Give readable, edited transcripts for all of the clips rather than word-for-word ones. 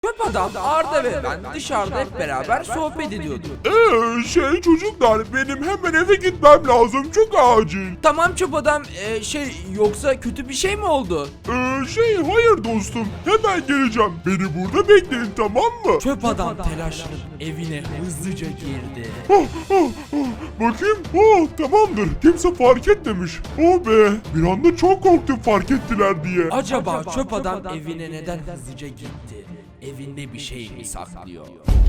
Çöp adam Arda ve ben dışarıda hep beraber sohbet ediyorduk. Çocuklar benim hemen eve gitmem lazım çok acil. Tamam çöp adam yoksa kötü bir şey mi oldu? Hayır dostum hemen geleceğim. Beni burada bekleyin tamam mı? Çöp adam telaşlanıp evine hızlıca girdi. Bakayım tamamdır kimse fark etmemiş. Oh be bir anda çok korktum fark ettiler diye. Acaba çöp adam evine neden hızlıca gitti? Evinde bir şey mi saklıyor?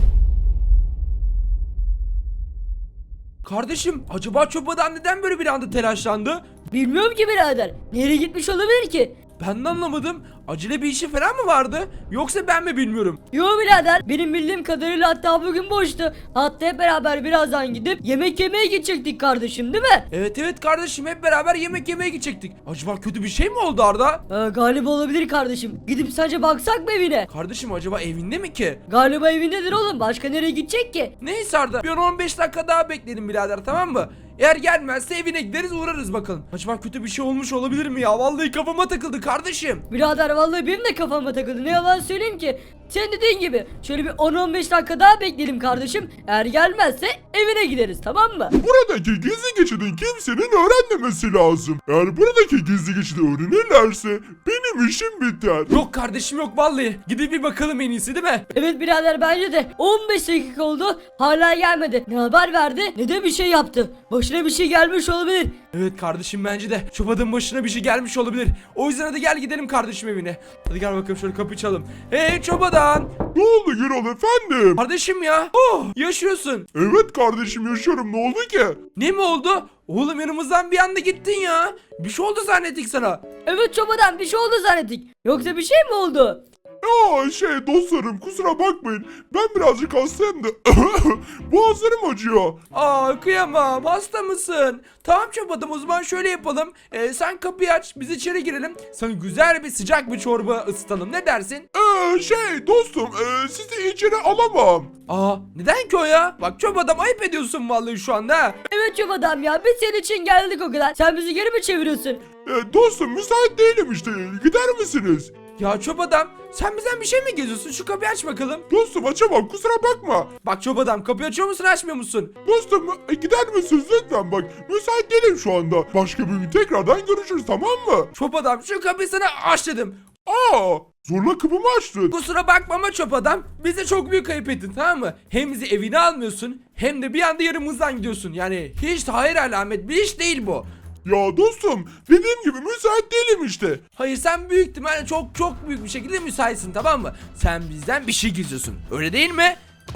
Kardeşim acaba çöp adam neden böyle bir anda telaşlandı? Bilmiyorum ki birader. Nereye gitmiş olabilir ki? Ben de anlamadım. Acele bir işi falan mı vardı? Yoksa ben mi bilmiyorum? Yo birader, benim bildiğim kadarıyla hatta bugün boştu. Hatta hep beraber birazdan gidip yemek yemeye gidecektik kardeşim, değil mi? Evet kardeşim hep beraber yemek yemeye gidecektik. Acaba kötü bir şey mi oldu Arda? Galiba olabilir kardeşim. Gidip sadece baksak mı evine? Kardeşim acaba evinde mi ki? Galiba evindedir oğlum. Başka nereye gidecek ki? Neyse Arda bir 15 dakika daha bekleyelim birader tamam mı? Eğer gelmezse evine gideriz uğrarız bakalım. Acaba kötü bir şey olmuş olabilir mi ya? Vallahi kafama takıldı kardeşim. Birader vallahi benim de kafama takıldı. Ne yalan söyleyeyim ki. Sen dediğin gibi şöyle bir 10-15 dakika daha bekleyelim kardeşim. Eğer gelmezse evine gideriz, tamam mı? Buradaki gizli geçidin kimsenin öğrenmemesi lazım. Eğer buradaki gizli geçidi öğrenirlerse benim işim biter. Yok kardeşim yok vallahi. Gidip bir bakalım en iyisi değil mi? Evet birader, bence de 15 dakika oldu hala gelmedi. Ne haber verdi ne de bir şey yaptı. Başına bir şey gelmiş olabilir. Evet kardeşim bence de çöp adamın başına bir şey gelmiş olabilir. O yüzden hadi gel gidelim kardeşim evine. Hadi gel bakalım şöyle kapıyı çalalım. Hey çöp adam. Ne oldu Gürol efendim? Kardeşim ya. Oh yaşıyorsun. Evet kardeşim yaşıyorum ne oldu ki? Ne mi oldu? Oğlum yanımızdan bir anda gittin ya. Bir şey oldu zannettik sana. Evet çobadan bir şey oldu zannettik. Yoksa bir şey mi oldu? Dostlarım kusura bakmayın. Ben birazcık hastayım da boğazlarım acıyor. Aa kıyamam hasta mısın? Tamam çöp adam o zaman şöyle yapalım. Sen kapıyı aç biz içeri girelim. Sana güzel bir sıcak bir çorba ısıtalım ne dersin? Dostum sizi içeri alamam. Aa neden ki o ya? Bak çöp adam ayıp ediyorsun vallahi şu anda ha. Evet çobadan ya, biz senin için geldik o kadar. Sen bizi geri mi çeviriyorsun? Dostum müsait değilim işte gider misiniz? Ya çöp adam sen bizden bir şey mi geziyorsun? Şu kapıyı aç bakalım. Dostum açamam kusura bakma. Bak çöp adam kapıyı açıyor musun açmıyor musun? Dostum gider misiniz lütfen bak müsait değilim şu anda. Başka bir gün tekrardan görüşürüz tamam mı? Çöp adam şu kapıyı sana aç dedim. Zorla kapımı açtın. Kusura bakma ama çöp adam bize çok büyük kayıp ettin tamam mı? Hem bizi evine almıyorsun hem de bir anda yarımızdan gidiyorsun. Yani hiç hayır alamet bir iş değil bu. Ya dostum dediğim gibi müsait değilim işte. Hayır sen büyük ihtimalle çok büyük bir şekilde müsaitsin tamam mı? Sen bizden bir şey gizliyorsun öyle değil mi?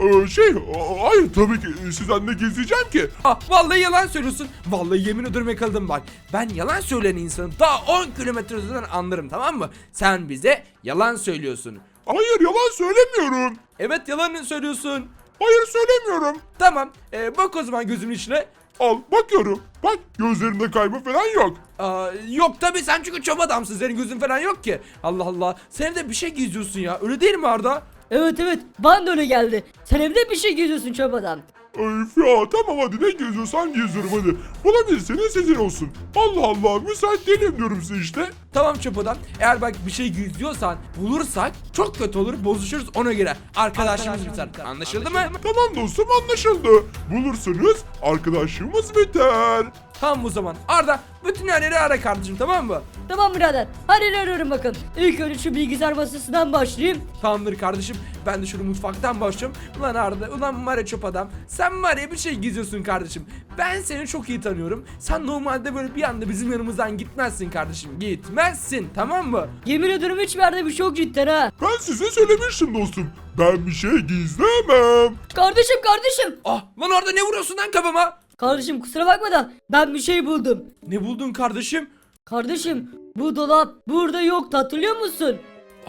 Hayır tabii ki sizden ne gizleyeceğim ki? Vallahi yalan söylüyorsun. Vallahi yemin ederim yakaladım bak. Ben yalan söyleyen insanı daha 10 kilometre öteden anlarım tamam mı? Sen bize yalan söylüyorsun. Hayır yalan söylemiyorum. Evet yalan söylüyorsun. Hayır söylemiyorum. Tamam bak o zaman gözümün içine. Al bakıyorum. Bak gözlerimde kayma falan yok. Yok tabii sen çünkü çöp adamsın senin gözün falan yok ki. Allah Allah sen de bir şey gizliyorsun ya öyle değil mi Arda? Evet bana da öyle geldi. Sen evde bir şey geziyorsun çobadan. Öf ya tamam hadi ne geziyorsan geziyorum hadi. Bulabilirseniz sizin olsun. Allah Allah müsait değilim diyorum size işte. Tamam çöp adam eğer bak bir şey gizliyorsan bulursak çok kötü olur bozuşuruz ona göre. Arkadaşımız biter anlaşıldı mı? Tamam dostum anlaşıldı. Bulursanız arkadaşlığımız biter. Tamam o zaman Arda bütün yerleri ara kardeşim tamam mı? Tamam birader. Hadi arıyorum bakın. İlk önce şu bilgisayar masasından başlayayım. Tamamdır kardeşim ben de şunu mutfaktan başlıyorum. Ulan Arda ulan var ya çöp adam sen var ya bir şey gizliyorsun kardeşim. Ben seni çok iyi tanıyorum. Sen normalde böyle bir anda bizim yanımızdan gitmezsin kardeşim gitmezsin tamam mı? Yemin ederim hiçbir yerde bir şey yok cidden ha. Ben size söylemiştim dostum. Ben bir şey gizlemem. Kardeşim. Lan Arda ne vuruyorsun lan kafama? Kardeşim kusura bakma da ben bir şey buldum. Ne buldun kardeşim? Kardeşim bu dolap burada yoktu, hatırlıyor musun?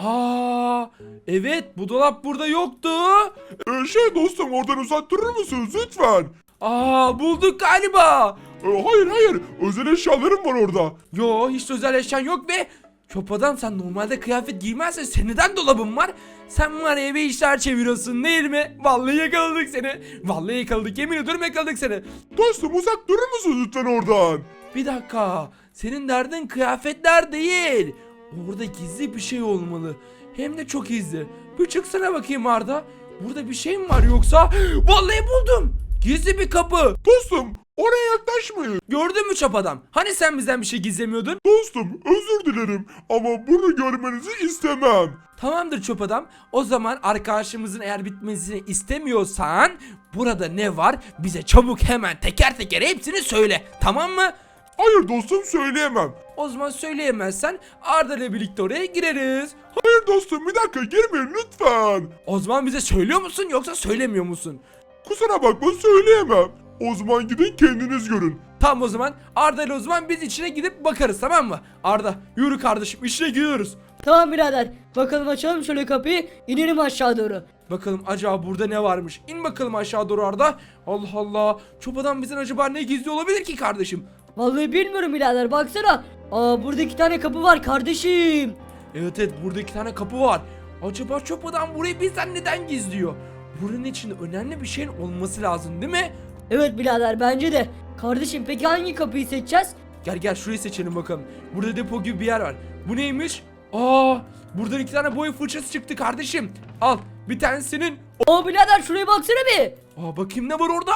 Evet bu dolap burada yoktu. Dostum oradan uzak durur musunuz lütfen? Bulduk galiba. Hayır özel eşyalarım var orada. Yo hiç özel eşyan yok be. Çöp adam sen normalde kıyafet giymezsen senin neden dolabın var? Sen var ya bir işler çeviriyorsun değil mi? Vallahi yakaladık seni. Vallahi yakaladık yemin ediyorum yakaladık seni. Dostum uzak durur musunuz lütfen oradan? Bir dakika senin derdin kıyafetler değil. Orada gizli bir şey olmalı. Hem de çok gizli. Bir çıksana bakayım Arda. Burada bir şey mi var yoksa? Vallahi buldum. Gizli bir kapı. Dostum oraya yaklaşmayın. Gördün mü çöp adam? Hani sen bizden bir şey gizlemiyordun? Dostum özür dilerim ama bunu görmenizi istemem. Tamamdır çöp adam. O zaman arkadaşımızın eğer bitmesini istemiyorsan burada ne var? Bize çabuk hemen teker teker hepsini söyle. Tamam mı? Hayır dostum söyleyemem. O zaman söyleyemezsen Arda ile birlikte oraya gireriz. Hayır dostum bir dakika girmeyin lütfen. O zaman bize söylüyor musun yoksa söylemiyor musun? Kusura bakma söyleyemem. O zaman gidin kendiniz görün. Tamam o zaman Arda ile o zaman biz içine gidip bakarız, tamam mı? Arda yürü kardeşim, içine gidiyoruz. Tamam birader. Bakalım açalım şöyle kapıyı. İnelim aşağı doğru. Bakalım acaba burada ne varmış? İn bakalım aşağı doğru Arda. Allah Allah. Çöp adam bizden acaba ne gizli olabilir ki kardeşim? Vallahi bilmiyorum birader, baksana. Burada 2 tane kapı var kardeşim. Evet burada 2 tane kapı var. Acaba çöp adam burayı bizden neden gizliyor? Buranın içinde önemli bir şeyin olması lazım değil mi? Evet birader, bence de. Kardeşim peki hangi kapıyı seçeceğiz? Gel şurayı seçelim bakalım. Burada depo gibi bir yer var. Bu neymiş? Buradan 2 tane boya fırçası çıktı kardeşim. Al bir tanesinin. Birader şuraya baksana bir. Bakayım ne var orada?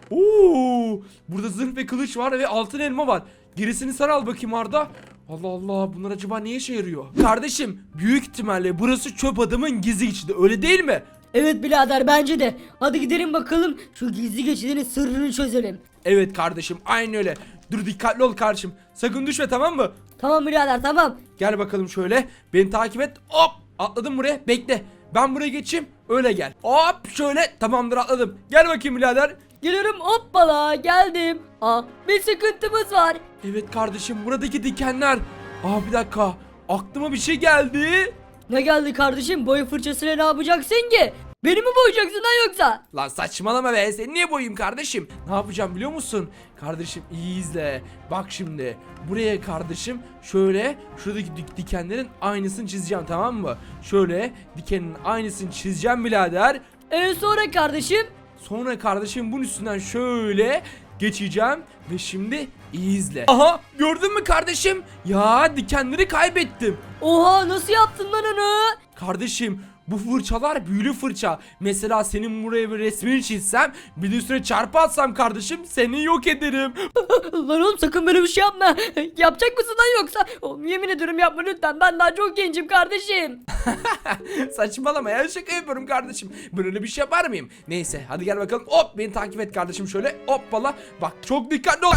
Oo, burada zırh ve kılıç var ve altın elma var. Gerisini sen al bakayım Arda. Allah Allah, bunlar acaba ne işe yarıyor? Kardeşim büyük ihtimalle burası çöp adamın gizli geçidi, öyle değil mi? Evet birader, bence de. Hadi gidelim bakalım şu gizli geçidinin sırrını çözelim. Evet kardeşim aynen öyle. Dur dikkatli ol kardeşim. Sakın düşme, tamam mı? Tamam birader, tamam. Gel bakalım şöyle. Beni takip et. Hop, atladım buraya. Bekle. Ben buraya geçeyim. Öyle gel. Hop şöyle, tamamdır atladım. Gel bakayım birader. Geliyorum, hoppala geldim. Bir sıkıntımız var. Evet kardeşim, buradaki dikenler. Bir dakika. Aklıma bir şey geldi. Ne geldi kardeşim? Boya fırçasıyla ne yapacaksın ki? Beni mi boyayacaksın lan yoksa? Lan saçmalama be, seni niye boyayım kardeşim? Ne yapacağım biliyor musun? Kardeşim iyi izle. Bak şimdi buraya kardeşim şöyle şuradaki dikenlerin aynısını çizeceğim, tamam mı? Şöyle dikenin aynısını çizeceğim birader. Sonra kardeşim? Sonra kardeşim bunun üstünden şöyle geçeceğim ve şimdi iyi izle. Aha, gördün mü kardeşim? Ya dikenleri kaybettim. Oha, nasıl yaptın lan onu? Kardeşim bu fırçalar büyülü fırça. Mesela senin buraya bir resmini çizsem, bir de üstüne çarpı atsam kardeşim, seni yok ederim. Lan oğlum sakın böyle bir şey yapma. Yapacak mısın lan yoksa? Oğlum yemin ediyorum yapma lütfen. Ben daha çok gencim kardeşim. Saçmalama ya, şaka yapıyorum kardeşim. Ben öyle bir şey yapar mıyım? Neyse hadi gel bakalım. Hop, beni takip et kardeşim şöyle. Hoppala. Bak çok dikkatli ol.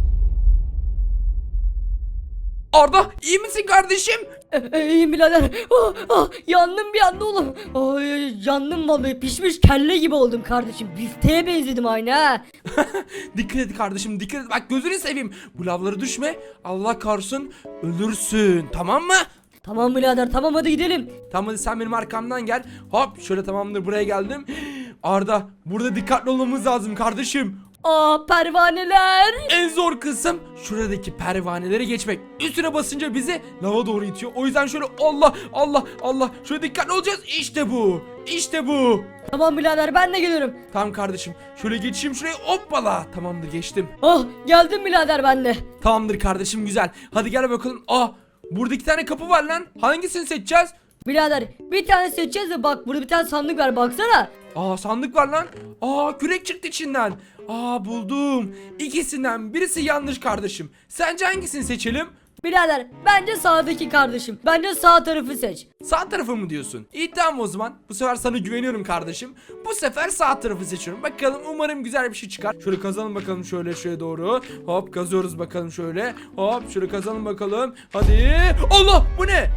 Arda iyi misin kardeşim? İyiyim birader. Yandım bir anda oğlum. Yandım vallahi, pişmiş kelle gibi oldum kardeşim. Bifteğe benzedim aynı ha. Dikkat et kardeşim, dikkat et. Bak gözünü seveyim. Bu lavlara düşme. Allah korusun ölürsün, tamam mı? Tamam birader, tamam hadi gidelim. Tamam hadi sen benim arkamdan gel. Hop şöyle, tamamdır, buraya geldim. Arda burada dikkatli olmamız lazım kardeşim. Pervaneler. En zor kısım şuradaki pervaneleri geçmek. Üstüne basınca bizi lava doğru itiyor. O yüzden şöyle Allah şöyle dikkatli olacağız. İşte bu. İşte bu. Tamam birader, ben de geliyorum. Tamam kardeşim. Şöyle geçeyim şuraya. Hoppala. Tamamdır, geçtim. Geldim birader ben de. Tamamdır kardeşim, güzel. Hadi gel bakalım. Burada 2 tane kapı var lan. Hangisini seçeceğiz? Birader bir tane seçeceğiz de bak, burada bir tane sandık var baksana. Sandık var lan. Kürek çıktı içinden. Buldum. İkisinden birisi yanlış kardeşim. Sence hangisini seçelim? Birader bence sağdaki kardeşim. Bence sağ tarafı seç. Sağ tarafı mı diyorsun? İyi tamam o zaman. Bu sefer sana güveniyorum kardeşim. Bu sefer sağ tarafı seçiyorum. Bakalım, umarım güzel bir şey çıkar. Şöyle kazalım bakalım, şöyle doğru. Hop kazıyoruz bakalım şöyle. Hop şöyle kazalım bakalım. Hadi. Allah, bu ne?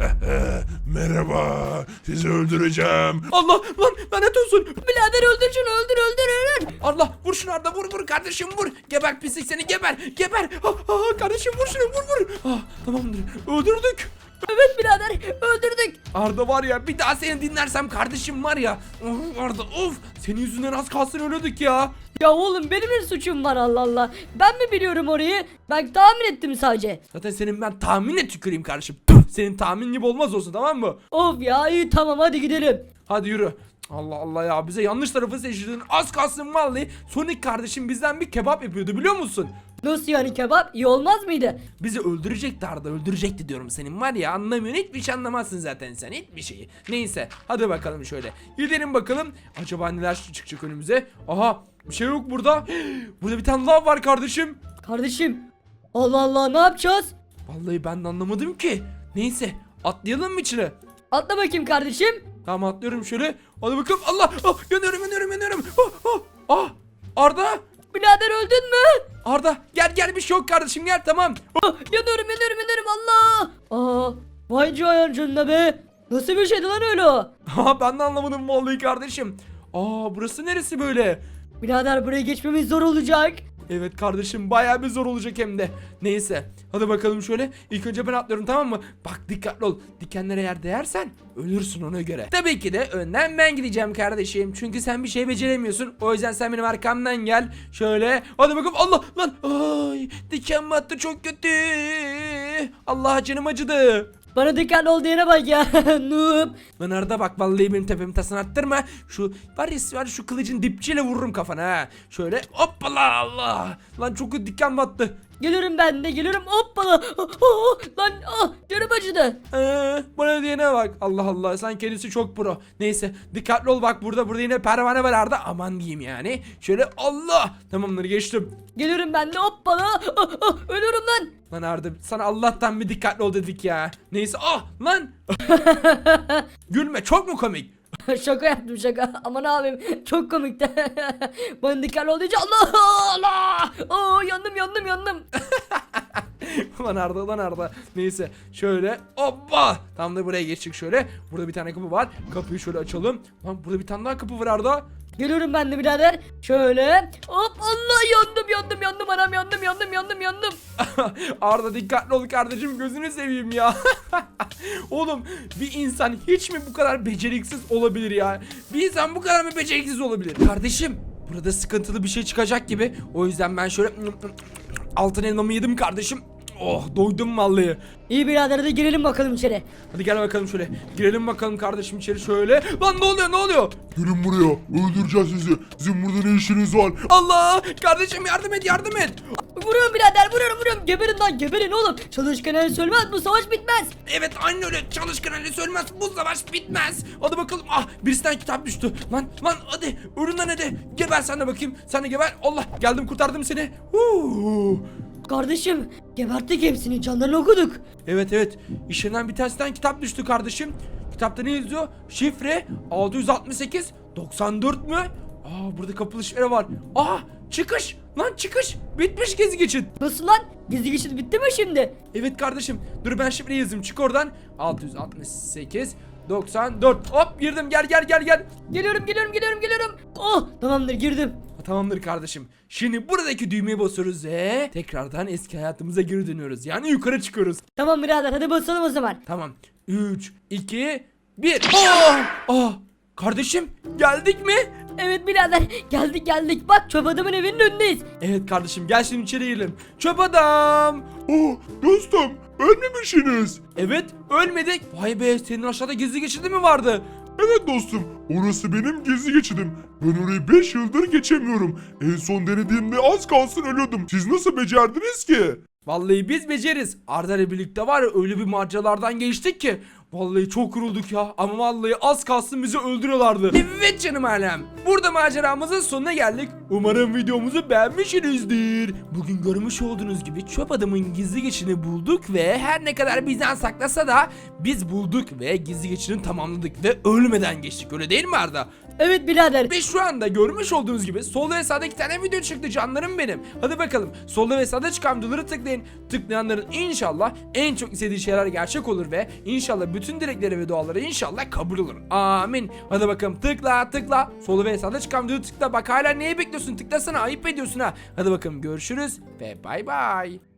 Merhaba sizi öldüreceğim. Allah lan, lanet olsun. Birader öldür şunu, öldür. Allah, vur şunu Arda, vur kardeşim vur. Geber pislik seni, geber. Kardeşim vur şunu, vur. Tamamdır, öldürdük. Evet birader, öldürdük. Arda var ya, bir daha seni dinlersem kardeşim var ya. Arda senin yüzünden az kalsın ölüyorduk ya. Ya oğlum benim bir suçum var, Allah Allah. Ben mi biliyorum orayı? Ben tahmin ettim sadece. Zaten senin ben tahminle tüküreyim kardeşim. Senin tahmin gibi olmaz olsun, tamam mı? Of ya, iyi tamam hadi gidelim. Hadi yürü. Allah Allah ya, bize yanlış tarafı seçtirdin. Az kalsın vallahi. Sonic kardeşim bizden bir kebap yapıyordu, biliyor musun? Nasıl yani kebap? İyi olmaz mıydı? Bizi öldürecekti Arda, öldürecekti diyorum, senin var ya, anlamıyorsun, hiçbir şey anlamazsın zaten sen, hiçbir şeyi. Neyse hadi bakalım şöyle gidelim bakalım acaba neler çıkacak önümüze. Aha, bir şey yok burada. Burada bir tane lav var kardeşim. Kardeşim. Allah Allah, ne yapacağız? Vallahi ben de anlamadım ki. Neyse atlayalım mı içine? Atla bakayım kardeşim. Tamam atlıyorum şöyle. Hadi bakalım. Allah! Ah, yanıyorum. Arda! Birader öldün mü? Arda gel bir şey yok kardeşim, gel tamam. Yanıyorum Allah. Vay canına be. Nasıl bir şeydi lan öyle o? Ben de anlamadım vallahi kardeşim. Burası neresi böyle? Birader buraya geçmemiz zor olacak. Evet kardeşim, bayağı bir zor olacak hem de. Neyse hadi bakalım şöyle. İlk önce ben atlıyorum, tamam mı? Bak dikkatli ol. Dikenlere yer değersen ölürsün ona göre. Tabii ki de önden ben gideceğim kardeşim. Çünkü sen bir şey beceremiyorsun. O yüzden sen benim arkamdan gel. Şöyle. Hadi bakalım. Allah lan. Ay, diken battı çok kötü. Allah, canım acıdı. Bana dikkatli ol diyene bak ya. Noob. Lan Arda bak, vallahi benim tepemi tasını attırma. Şu var şu kılıcın dipçiyle vururum kafana ha. Şöyle hoppala, Allah. Lan çok kötü diken battı. Geliyorum ben de geliyorum. Hoppala. Lan canım acıdı. Bana diyene bak. Allah Allah, sen kendisi çok pro. Neyse dikkatli ol, bak burada yine pervane var Arda. Aman diyeyim yani. Şöyle Allah. Tamamdır, geçtim. Geliyorum ben de hoppala. Ölüyorum lan. Lan Arda, sana Allah'tan bir dikkatli ol dedik ya. Neyse lan. Gülme, çok mu komik? Şaka yaptım şaka. Aman abim çok komikti. Bana dikkatli ol deyince Allah. Yandım. Lan Arda. Neyse şöyle hoppa. Tam da buraya geçtik şöyle. Burada bir tane kapı var. Kapıyı şöyle açalım. Lan burada bir tane daha kapı var Arda. Geliyorum ben de birader. Şöyle. Hop Allah, yandım anam, yandım. Arda dikkatli ol kardeşim, gözünü seveyim ya. Oğlum, bir insan hiç mi bu kadar beceriksiz olabilir ya? Bir insan bu kadar mı beceriksiz olabilir? Kardeşim, burada sıkıntılı bir şey çıkacak gibi. O yüzden ben şöyle altın elmamı yedim kardeşim. Oh, doydum vallahi. İyi birader, de girelim bakalım içeri. Hadi gel bakalım şöyle. Girelim bakalım kardeşim içeri şöyle. Lan ne oluyor? Gelin buraya. Öldüreceğiz sizi. Sizin burada ne işiniz var? Allah! Kardeşim yardım et. Vuruyorum birader, vuruyorum. Geberin oğlum. Çalışkan el sölmez, bu savaş bitmez. Evet aynen öyle. Çalışkan Ali söylemez. Bu savaş bitmez. Hadi bakalım. Birisinden kitap düştü. Lan hadi. Ölünden hadi. Geber sen de bakayım. Sen de geber. Allah, geldim kurtardım seni. Kardeşim, geberttik hepsini, canlarını okuduk. Evet. İşinden bir tanesinden kitap düştü kardeşim. Kitapta ne yazıyor? Şifre 668 94 mü? Burada kapılı şifre var. Çıkış. Lan çıkış. Bitmiş gezi geçit. Nasıl lan? Gizli geçit bitti mi şimdi? Evet kardeşim. Dur ben şifreyi yazayım. Çık oradan. 668 94. Hop girdim. Gel. Geliyorum. Tamamdır, girdim. Tamamdır kardeşim. Şimdi buradaki düğmeye basıyoruz ve tekrardan eski hayatımıza geri dönüyoruz. Yani yukarı çıkıyoruz. Tamam birader, hadi basalım o zaman. Tamam. 3, 2, 1. Kardeşim geldik mi? Evet birader, geldik. Bak, çöp adamın evinin önündeyiz. Evet kardeşim, gel şimdi içeri girelim. Çöp adam. Dostum, ölmemişsiniz. Evet, ölmedik. Vay be, senin aşağıda gizli geçidi mi vardı? Evet dostum, orası benim gizli geçidim. Ben orayı 5 yıldır geçemiyorum. En son denediğimde az kalsın ölüyordum. Siz nasıl becerdiniz ki? Vallahi biz beceririz. Arda ile birlikte var ya, öyle bir maceralardan geçtik ki. Vallahi çok yorulduk ya. Ama vallahi az kalsın bizi öldürüyorlardı. Evet canım alem. Burada maceramızın sonuna geldik. Umarım videomuzu beğenmişsinizdir. Bugün görmüş olduğunuz gibi çöp adamın gizli geçidini bulduk ve her ne kadar bizden saklasa da biz bulduk ve gizli geçidini tamamladık ve ölmeden geçtik. Öyle değil mi Arda? Evet birader. Ve şu anda görmüş olduğunuz gibi solda ve sağda 2 tane video çıktı canlarım benim. Hadi bakalım, solda ve sağda çıkan videoları tıklayın. Tıklayanların inşallah en çok istediği şeyler gerçek olur ve inşallah bütün dilekleri ve duaları inşallah kabul olur. Amin. Hadi bakalım, tıkla. Solda ve sağda çıkan videoyu tıkla. Bak hala neyi bekliyorsun? Tıklasana, ayıp ediyorsun ha. Hadi bakalım, görüşürüz ve bay bay.